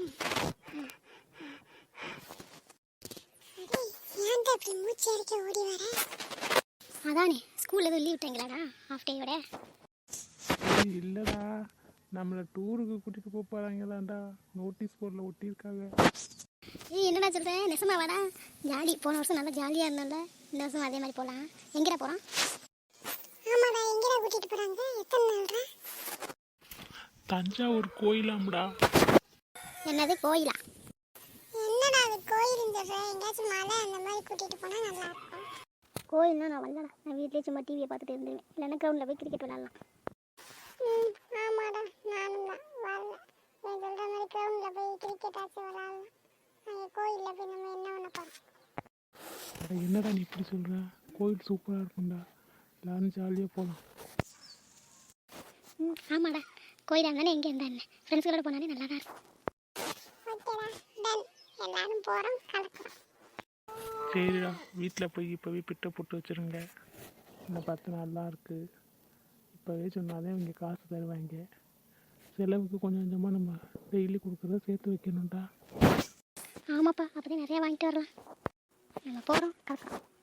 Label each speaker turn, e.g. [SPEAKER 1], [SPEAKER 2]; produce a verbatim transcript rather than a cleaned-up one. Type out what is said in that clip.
[SPEAKER 1] ஏன்டா இப்படி மூச்சு அடிக்க ஓடி வர?
[SPEAKER 2] அதானே ஸ்கூலில் எதுவும் லீவ் விட்டாங்களாடா ஹாஃப் டேயோட?
[SPEAKER 3] இல்லைடா, நம்மளை டூருக்கு கூட்டிகிட்டு போக போகிறாங்களாண்டா, நோட்டீஸ் போர்டில் ஒட்டியிருக்காங்க.
[SPEAKER 2] ஏய் என்னடா சொல்கிறேன், நெசமா வாடா. ஜாலி, போன வருஷம் நல்லா ஜாலியாக இருந்தோம்ல, இந்த வருஷம் அதே மாதிரி போகலாம். எங்கடா போகிறோம்?
[SPEAKER 1] ஆமாடா, எங்கடா கூட்டிகிட்டு போகிறாங்க? எத்தனை நாள்ரா?
[SPEAKER 3] தஞ்சாவூர் கோயிலாம்டா.
[SPEAKER 2] என்னது கோயிலா?
[SPEAKER 1] என்னடா அது கோயிலுன்னு சொல்கிறேன்? எங்கேயாச்சும் மலை அந்த மாதிரி கூட்டிகிட்டு போனால் நல்லா இருக்கும்.
[SPEAKER 2] கோயில்னா நான் வரலடா, நான் வீட்லேயே சும்மா டிவியை பார்த்துட்டு இருந்துருவேன். இல்லைன்னா கிரவுண்டில் போய் கிரிக்கெட் விளாட்லாம்.
[SPEAKER 1] ம் ஆமாடா, நானும் தான் வரல. நீ சொல்கிற மாதிரி கிரவுண்டில் போய் கிரிக்கெட் ஆச்சு விளாட்லாம். நாங்கள் கோயிலில் போய் நம்ம என்ன பண்ண போகிறோம்?
[SPEAKER 3] என்னடா நீ இப்படி சொல்கிற? கோயில் சூப்பராக இருக்கும்டா, எல்லாரும் ஜாலியாக போகலாம்.
[SPEAKER 2] ம் ஆமாடா, கோயிலாக இருந்தானே எங்கே இருந்தா என்ன, ஃப்ரெண்ட்ஸ்களோட போனாலே நல்லா தான் இருக்கும்.
[SPEAKER 1] ஓகேடா, டன். எல்லாரும் போகிறோம், கலக்கிறோம்.
[SPEAKER 3] சரிடா, வீட்டில் போய் இப்போவே பிட்டை போட்டு வச்சுருங்க. இன்னும் பத்து நாள்லாம் இருக்குது. இப்போவே சொன்னாலே இங்கே காசு தருவாங்க. செலவுக்கு கொஞ்சம் கொஞ்சமாக நம்ம டெய்லி கொடுக்குறத சேர்த்து வைக்கணும்டா.
[SPEAKER 2] ஆமாப்பா, அப்போ தான் நிறையா வாங்கிட்டு வரலாம். நம்ம போகிறோம், கலக்கிறோம்.